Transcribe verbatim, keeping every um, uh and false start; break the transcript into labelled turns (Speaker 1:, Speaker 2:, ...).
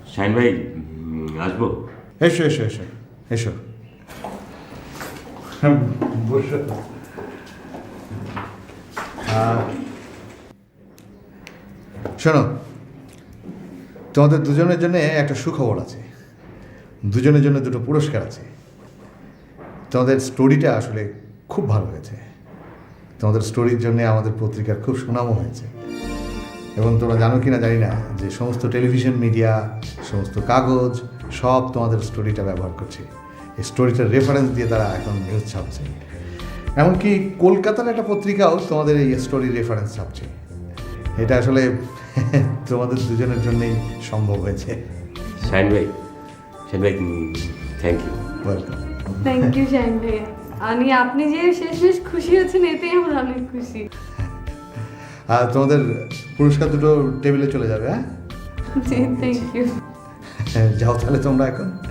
Speaker 1: শাহিন ভাই উম, আসবো?
Speaker 2: এসো এসো এসো এসো বসো। আহ, শোনো, তোমাদের দুজনের জন্য একটা সুখবর আছে। দুজনের জন্য দুটো পুরস্কার আছে। তোমাদের স্টোরিটা আসলে খুব ভালো হয়েছে। তোমাদের স্টোরির জন্য আমাদের পত্রিকার খুব সুনামও হয়েছে। এবং তোমরা জানো কি না জানি না যে সমস্ত টেলিভিশন মিডিয়া, সমস্ত কাগজ সব তোমাদের স্টোরিটা ব্যবহার করছে। এই স্টোরিটার রেফারেন্স দিয়ে তারা এখন নিউজ ছাপছে। এমনকি কলকাতার একটা পত্রিকাও তোমাদের এই স্টোরির রেফারেন্স ছাপছে। এটা আসলে তোমাদের দুজনের জন্যই সম্ভব হয়েছে।
Speaker 1: শাহিন ভাই, শাহিন ভাই thank you.
Speaker 2: Welcome.
Speaker 3: Thank you Shahin ভাইয়া। আমি আপনি যে শেষমেশ খুশি হচ্ছেন এতেই আমার অনেক খুশি।
Speaker 2: আর তোমাদের পুরস্কার দুটো টেবিলে চলে যাবে। হ্যাঁ,
Speaker 3: জি থ্যাংক ইউ।
Speaker 2: যাও তাহলে তোমরা এখন।